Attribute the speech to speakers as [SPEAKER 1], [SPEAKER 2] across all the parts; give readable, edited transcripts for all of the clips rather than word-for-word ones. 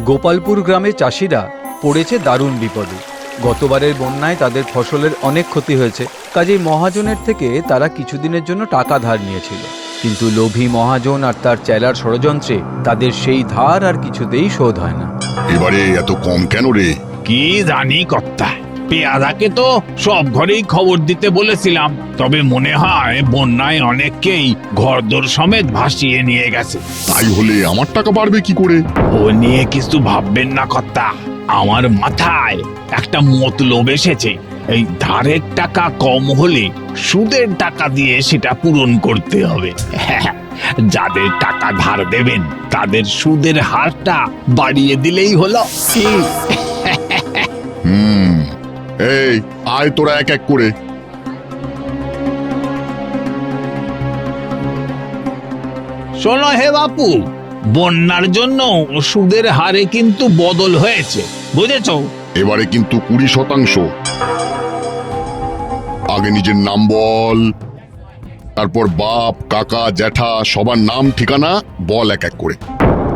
[SPEAKER 1] গোপালপুর গ্রামে চাষিরা পড়েছে দারুণ বিপদে। গতবারের বন্যায় তাদের ফসলের অনেক ক্ষতি হয়েছে। কাজেই মহাজনের থেকে তারা কিছুদিনের জন্য টাকা ধার নিয়েছিল, কিন্তু লোভী মহাজন আর তার চেলার ষড়যন্ত্রে তাদের সেই ধার আর কিছুতেই শোধ হয় না।
[SPEAKER 2] এবারে এত কম কেন রে?
[SPEAKER 3] কি জানি কর্তা, পেয়াদাকে তো সব ঘরেই খবর দিতে বলেছিলাম, তবে মনে হয় বন্যায় অনেককেই ঘরদোর সমেত ভাসিয়ে নিয়ে গেছে।
[SPEAKER 2] তাই হলে আমার টাকা বাড়বে কি করে?
[SPEAKER 3] ও নিয়ে কিছু ভাববেন না কর্তা, আমার মাথায় একটা মতলব এসেছে। এই ধারের টাকা কম হলে সুদের টাকা দিয়ে সেটা পূরণ করতে হবে। যাদের টাকা ধার দেবেন তাদের সুদের হারটা বাড়িয়ে দিলেই হলো।
[SPEAKER 2] এই আয় তোরা এক এক করে।
[SPEAKER 3] শোনো হে বাপু, বন্যার জন্য সুদের হারে কিন্তু বদল হয়েছে, বুঝেছো?
[SPEAKER 2] এবারে কিন্তু 20%। আগে নিজের নাম বল, তারপর বাপ, কাকা, জ্যাঠা সবার নাম ঠিকানা বল এক এক করে।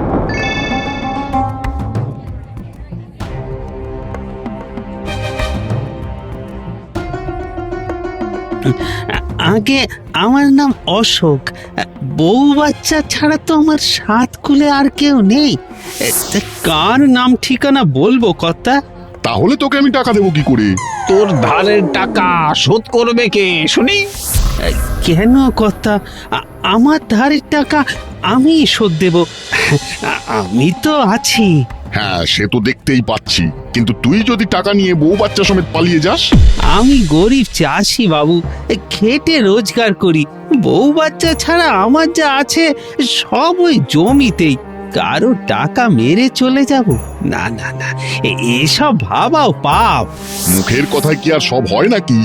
[SPEAKER 4] আগে আমার নাম অশোক। বউ বাচ্চা ছাড়া তো আমার সাত কুলে আর কেউ নেই। তা কার নাম ঠিকানা বলবো কর্তা?
[SPEAKER 2] তাহলে তোকে আমি টাকা দেবো কি করে?
[SPEAKER 3] তোর ধারের টাকা শোধ করবে কে শুনি?
[SPEAKER 4] কেন কর্তা? আমার ধারের টাকা আমি শোধ দেব। আমি তো আছি।
[SPEAKER 2] হ্যাঁ, সে তো দেখতেই পাচ্ছি, কিন্তু তুই যদি টাকা নিয়ে বউ বাচ্চা সমেত পালিয়ে যাস?
[SPEAKER 4] আমি গরিব চাষি বাবু, খেটে রোজগার করি। বউ বাচ্চা ছাড়া আমার যা আছে সব ওই জমিতেই। কারো টাকা মেরে চলে যাব? না না না, এসব ভাবাও পাপ।
[SPEAKER 2] মুখের কথায় কি আর সব হয় নাকি?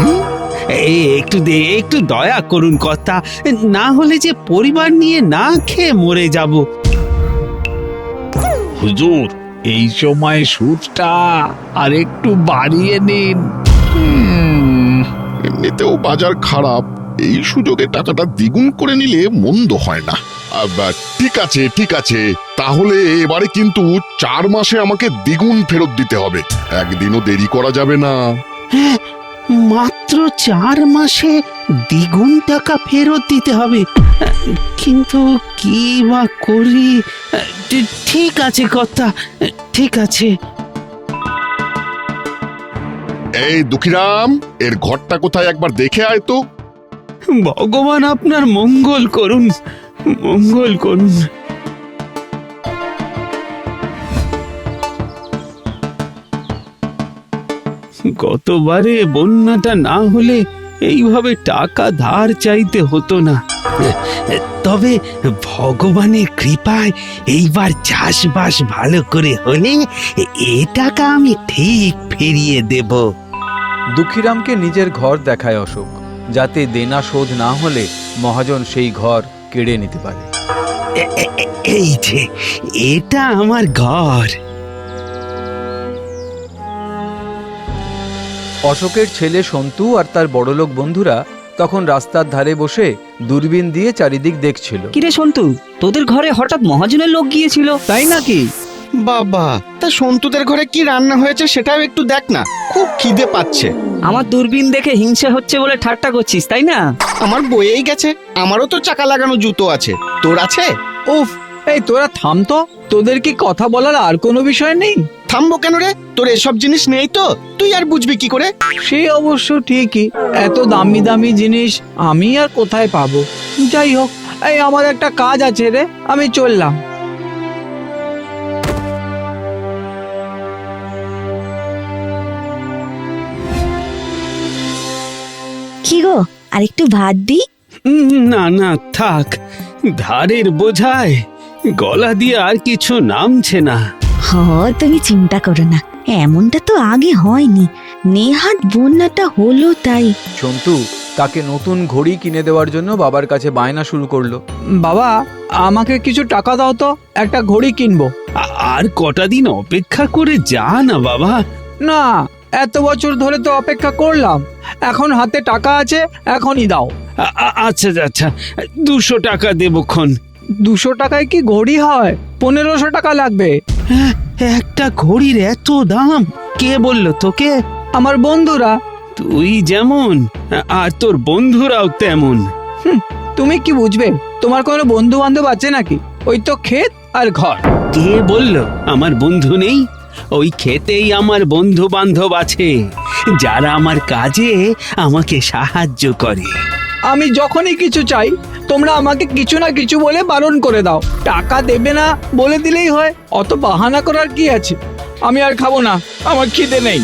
[SPEAKER 4] একটু দয়া করুন কর্তা, না হলে যে পরিবার নিয়ে না খেয়ে মরে যাব।
[SPEAKER 3] হুজুর, এই সময় সুদটা আর একটু বাড়িয়ে নিন।
[SPEAKER 2] এমনিতেও বাজার খারাপ, এই সুযোগে টাকাটা দ্বিগুণ করে নিলে মন্দ হয় না। ঠিক আছে ঠিক আছে, তাহলে এবারে কিন্তু 4 মাসে আমাকে দ্বিগুণ ফেরত দিতে হবে, একদিনও দেরি করা যাবে না।
[SPEAKER 4] হ্যাঁ, মাত্র 4 মাসে দ্বিগুণ টাকা ফেরত দিতে হবে, কিন্তু কি বা করি? ঠিক আছে কর্তা, ঠিক আছে।
[SPEAKER 2] এই দুঃখীরাম, এর ঘরটা কোথায় একবার দেখে আয় তো।
[SPEAKER 4] ভগবান আপনার মঙ্গল করুন, মঙ্গল করুন। গতবারে বন্যাটা না হলে এইভাবে টাকা ধার চাইতে হতো না। তবে ভগবানের কৃপায় এইবার চাষবাস ভালো করে হলে এ টাকা আমি ঠিক ফিরিয়ে দেব।
[SPEAKER 1] দুঃখীরামকে নিজের ঘর দেখায় অশোক, যাতে দেনা শোধ না হলে মহাজন সেই ঘর কেড়ে নিতে পারে।
[SPEAKER 4] এই যে এটা আমার ঘর।
[SPEAKER 1] অশোকের ছেলে সন্তু আর তার বড়লোক বন্ধুরা তখন রাস্তার ধারে বসে দূরবীন দিয়ে চারিদিক দেখছিল।
[SPEAKER 5] কিরে সন্তু, তোদের ঘরে হঠাৎ মহাজনের লোক গিয়েছিল, তাই নাকি?
[SPEAKER 6] বাবা, তা সন্তুদের ঘরে কি রান্না হয়েছে সেটাও একটু দেখ না, খুব খিদে পাচ্ছে।
[SPEAKER 5] আমার দূরবীন দেখে হিংসা হচ্ছে বলে ঠাট্টা করছিস, তাই না?
[SPEAKER 6] আমার বয়েই গেছে, আমারও তো চাকা লাগানো জুতো আছে, তোর আছে?
[SPEAKER 7] উফ, এই তোরা থাম তো, তোদের কি কথা বলার আর কোনো বিষয় নেই?
[SPEAKER 6] থামবো কেন রে? তোর এসব জিনিস নেই তো, তুই আর বুঝবি কি করে?
[SPEAKER 7] সে অবশ্য ঠিকই, এত দামি দামি জিনিস আমি আর কোথায় পাবো। যাই হোক, এই আমার একটা কাজ আছে রে, আমি চললাম।
[SPEAKER 8] কি গো, আর একটু ভাত দি?
[SPEAKER 4] না না থাক, ধারের বোঝায় গলা দিয়ে আর কিছু নামছে না।
[SPEAKER 8] তুমি চিন্তা করো না, এমনটা তো আগে হয়নি, নেহাত বন্যাটা হলো তাই।
[SPEAKER 1] সন্তু তাকে নতুন ঘড়ি কিনে দেওয়ার জন্য বাবার কাছে বায়না শুরু করলো।
[SPEAKER 7] বাবা, আমাকে কিছু টাকা দাও তো, একটা ঘড়ি কিনবো।
[SPEAKER 4] আর কটা দিন অপেক্ষা করে যা না বাবা।
[SPEAKER 7] না, এত বছর ধরে তো অপেক্ষা করলাম, এখন হাতে টাকা আছে, এখনই দাও।
[SPEAKER 4] আচ্ছা আচ্ছা, 200 টাকা দেবক্ষণ।
[SPEAKER 7] 200 টাকায় কি ঘড়ি হয়? 1500 টাকা লাগবে।
[SPEAKER 4] একটা ঘড়ির এত দাম? কে বলল তোকে?
[SPEAKER 7] আমার বন্ধুরা।
[SPEAKER 4] তুই যেমন আর তোর বন্ধুরাও তেমন।
[SPEAKER 7] তুমি কি বুঝবে? তোমার কোনো বন্ধু বান্ধব আছে নাকি? ওই তো ক্ষেত আর ঘর।
[SPEAKER 4] কে বলল আমার বন্ধু নেই? ওই ক্ষেতেই আমার বন্ধু বান্ধব আছে, যারা আমার কাজে আমাকে সাহায্য করে।
[SPEAKER 7] আমি যখনই কিছু চাই তোমরা আমাকে কিছু না কিছু বলে বারণ করে দাও। টাকা দেবে না বলে দিলেই হয়, অত বাহানা করার কি আছে? আমি আর খাবো না, আমার খিদে নেই।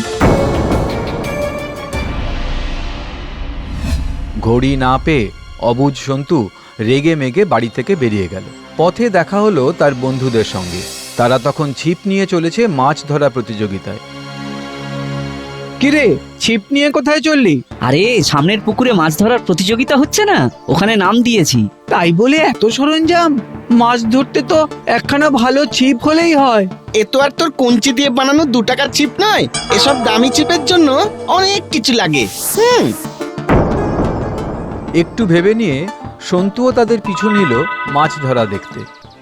[SPEAKER 1] ঘড়ি না পেয়ে অবুঝ সন্তু রেগে মেগে বাড়ি থেকে বেরিয়ে গেল। পথে দেখা হলো তার বন্ধুদের সঙ্গে। তারা তখন ছিপ নিয়ে চলেছে মাছ ধরা প্রতিযোগিতায়।
[SPEAKER 7] কিরে, ছিপ নিয়ে কোথায় চললি?
[SPEAKER 5] আরে সামনের পুকুরে মাছ ধরার প্রতিযোগিতা হচ্ছে না, ওখানে নাম দিয়েছি।
[SPEAKER 7] তাই বলে এত সরঞ্জাম? মাছ ধরতে তো একখানা ভালো ছিপ হলেই হয়।
[SPEAKER 6] এ তো আর তোর কঞ্চি দিয়ে বানানো 2 টাকার ছিপ নয়, এসব দামি ছিপের জন্য অনেক কিছু লাগে।
[SPEAKER 1] একটু ভেবে নিয়ে সন্তুও তাদের পিছু নিল মাছ ধরা দেখতে।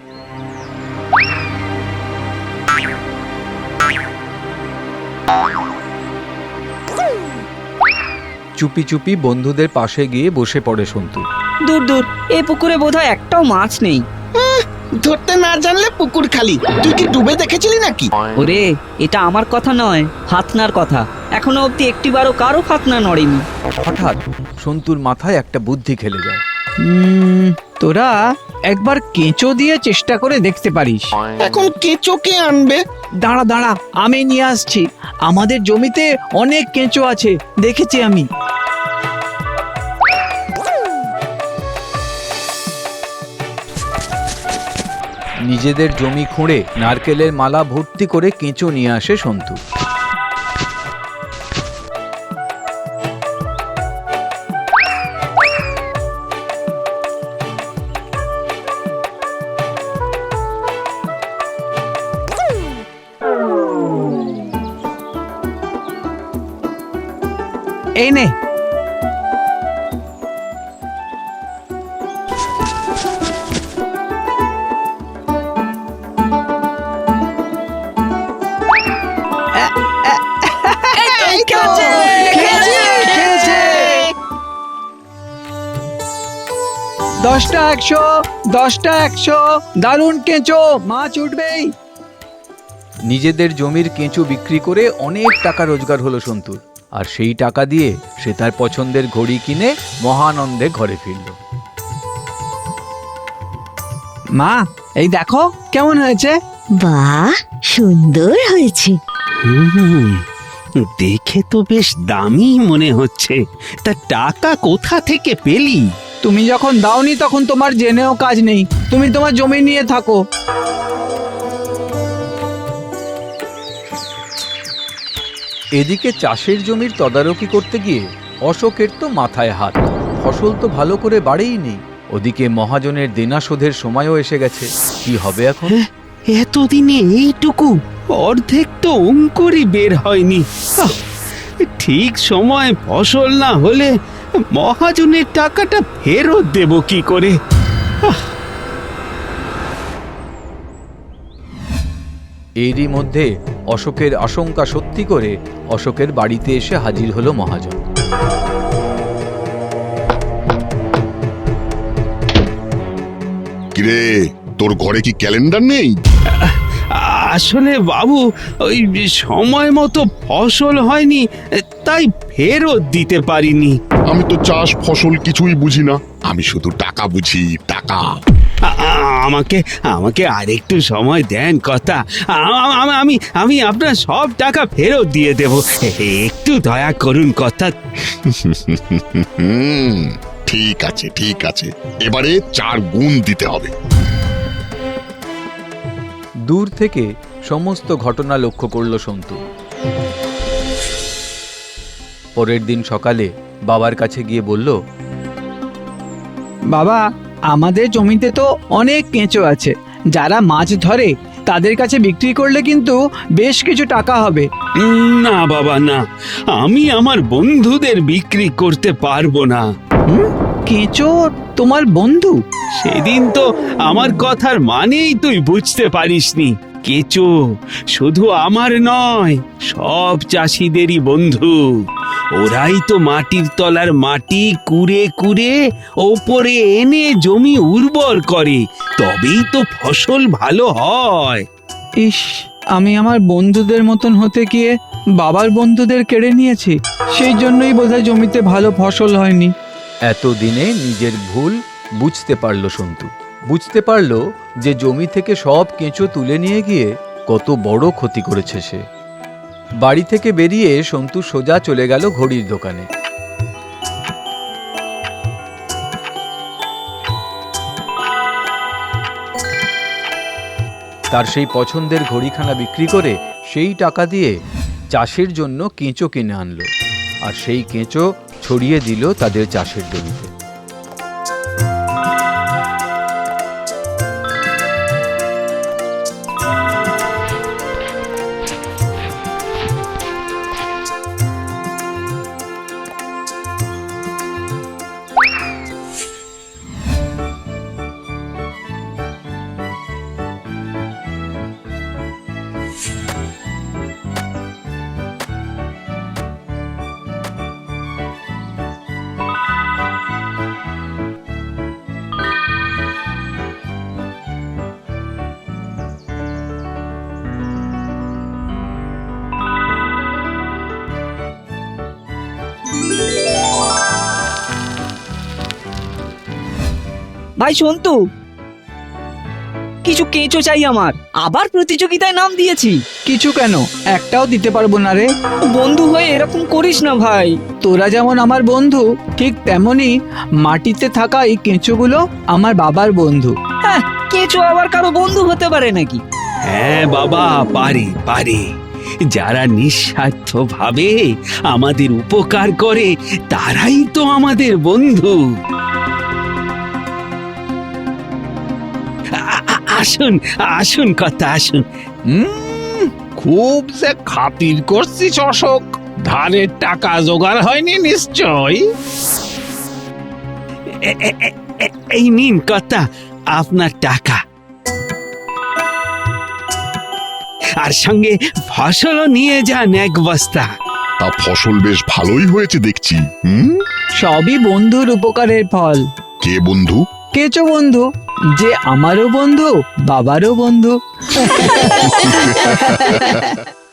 [SPEAKER 1] চুপি চুপি বন্ধুদের পাশে গিয়ে বসে পড়ে সন্তু।
[SPEAKER 5] দূর দূর, এই পুকুরে বোধহয় একটাও মাছ নেই।
[SPEAKER 6] ধরতে না জানলে পুকুর খালি। তুই কি ডুবে দেখেছিলি নাকি?
[SPEAKER 5] ওরে, এটা আমার কথা নয়, ফাতনার কথা। এখনো অব্দি একটিবারও কারো ফাতনা নড়েনি।
[SPEAKER 1] হঠাৎ সন্তুর মাথায় একটা বুদ্ধি খেলে যায়।
[SPEAKER 7] তোরা একবার কেঁচো দিয়ে চেষ্টা করে দেখতে পারিস।
[SPEAKER 6] এখন কেঁচোকে আনবে?
[SPEAKER 7] দাঁড়া দাঁড়া, আমি নিয়ে আসছি। আমাদের জমিতে অনেক কেঁচো আছে, দেখেছি আমি।
[SPEAKER 1] নিজেদের জমি খুঁড়ে নারকেলের মালা ভর্তি করে কেঁচো নিয়ে আসে সন্তু।
[SPEAKER 7] এই নে। দশটা 100, 10টা 100, দারুণ কেঁচো, মাছ উঠবেই।
[SPEAKER 1] নিজেদের জমির কেঁচো বিক্রি করে অনেক টাকা রোজগার হলো সন্তুর। আর সেই টাকা দিয়ে সে তার পছন্দের ঘড়ি কিনে মহানন্দে ঘরে ফিরল।
[SPEAKER 7] মা, এই দেখো কেমন হয়েছে।
[SPEAKER 8] বাহ, সুন্দর হয়েছে।
[SPEAKER 4] দেখে তো বেশ দামি মনে হচ্ছে। তা টাকা কোথা থেকে পেলি?
[SPEAKER 7] তুমি যখন দাওনি তখন তোমার জেনেও কাজ নেই। তুমি তোমার জমি নিয়ে থাকো।
[SPEAKER 1] এদিকে চাষের জমির তদারকি করতে গিয়ে অশোকের তো মাথায় হাত। ফসল তো ভালো করে বাড়েই ওদিকে মহাজনের দেনা শোধের সময়ও এসে গেছে। কি হবে এখন?
[SPEAKER 4] এতদিনে এইটুকু, অর্ধেক তো অঙ্কুরই বের হয়নি। ঠিক সময় ফসল না হলে মহাজনের টাকাটা ফেরত দেব কি করে?
[SPEAKER 1] এরই মধ্যে অশোকের আশঙ্কা সত্যি করে অশোকের বাড়িতে এসে হাজির হলো মহাজন।
[SPEAKER 2] কিরে, তোর ঘরে কি ক্যালেন্ডার নেই?
[SPEAKER 4] আসলে বাবু, ওই সময় মতো ফসল হয়নি, তাই ফেরত দিতে পারিনি।
[SPEAKER 2] আমি তো চাষ ফসল কিছুই বুঝি না, আমি শুধু টাকা বুঝি, টাকা।
[SPEAKER 4] আমাকে আমাকে আরেকটু সময় দেন কথা। আমি আমি আপনার সব টাকা ফেরত দিয়ে দেব, একটু দয়া করুন কথা।
[SPEAKER 2] ঠিক আছে ঠিক আছে, এবারে 4 গুণ দিতে হবে।
[SPEAKER 1] দূর থেকে সমস্ত ঘটনা লক্ষ্য করল সন্তু। পরের দিন সকালে বাবার কাছে গিয়ে বলল,
[SPEAKER 7] বাবা, আমাদের জমিতে তো অনেক কেঁচো আছে। যারা মাছ ধরে তাদের কাছে বিক্রি করলে কিন্তু বেশ কিছু টাকা হবে।
[SPEAKER 4] না বাবা না, আমি আমার বন্ধুদের বিক্রি করতে পারবো না।
[SPEAKER 7] কেঁচো তোমার বন্ধু?
[SPEAKER 4] সেদিন তো আমার কথার মানেই তুই বুঝতে পারিসনি। কেঁচো শুধু আমার নয়, সব চাষিদেরই বন্ধু। ওরাই তো মাটির তলার মাটি কুড়ে কুড়ে ওপরে এনে জমি উর্বর করে, তবেই তো ফসল ভালো হয়।
[SPEAKER 7] ইস, আমি আমার বন্ধুদের মতন হতে গিয়ে বাবার বন্ধুদের কেড়ে নিয়েছি। সেই জন্যই বোধহয় জমিতে ভালো ফসল হয়নি।
[SPEAKER 1] এতদিনে নিজের ভুল বুঝতে পারল সন্তু। বুঝতে পারল যে জমি থেকে সব কেঁচো তুলে নিয়ে গিয়ে কত বড় ক্ষতি করেছে সে। বাড়ি থেকে বেরিয়ে সন্তু সোজা চলে গেল ঘড়ির দোকানে। তার সেই পছন্দের ঘড়িখানা বিক্রি করে সেই টাকা দিয়ে চাষের জন্য কেঁচো কিনে আনলো, আর সেই কেঁচো ছড়িয়ে দিল তাদের চাষের জমিতে।
[SPEAKER 5] ভাই সন্তু, কিছু কেঁচো চাই আমার। আবার প্রতিযোগিতায় নাম দিয়েছি।
[SPEAKER 7] কিছু কেন, একটাও দিতে পারবো না রে।
[SPEAKER 5] বন্ধু হয়ে এরকম করিস না ভাই।
[SPEAKER 7] তোরা যেমন আমার বন্ধু, ঠিক তেমনি মাটিতে থাকা এই কেঁচোগুলো আমার বাবার বন্ধু।
[SPEAKER 5] হ্যাঁ, কেঁচো আবার কারো বন্ধু হতে পারে নাকি?
[SPEAKER 4] হ্যাঁ বাবা, পারে পারে। যারা নিঃস্বার্থ ভাবে আমাদের উপকার করে তারাই তো আমাদের বন্ধু। আসুন আসুন কথা, আসুন।
[SPEAKER 3] খুব যে খাতির করছিস অশোক। ধারের টাকা জোগাড় হয়নি নিশ্চয়।
[SPEAKER 4] এই নিন কথা, আপনার টাকা। আর সঙ্গে ফসলও নিয়ে যান এক বস্তা।
[SPEAKER 2] তা ফসল বেশ ভালোই হয়েছে দেখছি।
[SPEAKER 7] সবই বন্ধুর উপকারের ফল।
[SPEAKER 2] কে বন্ধু?
[SPEAKER 7] কেঁচো বন্ধু, যে আমারও বন্ধু, বাবারও বন্ধু।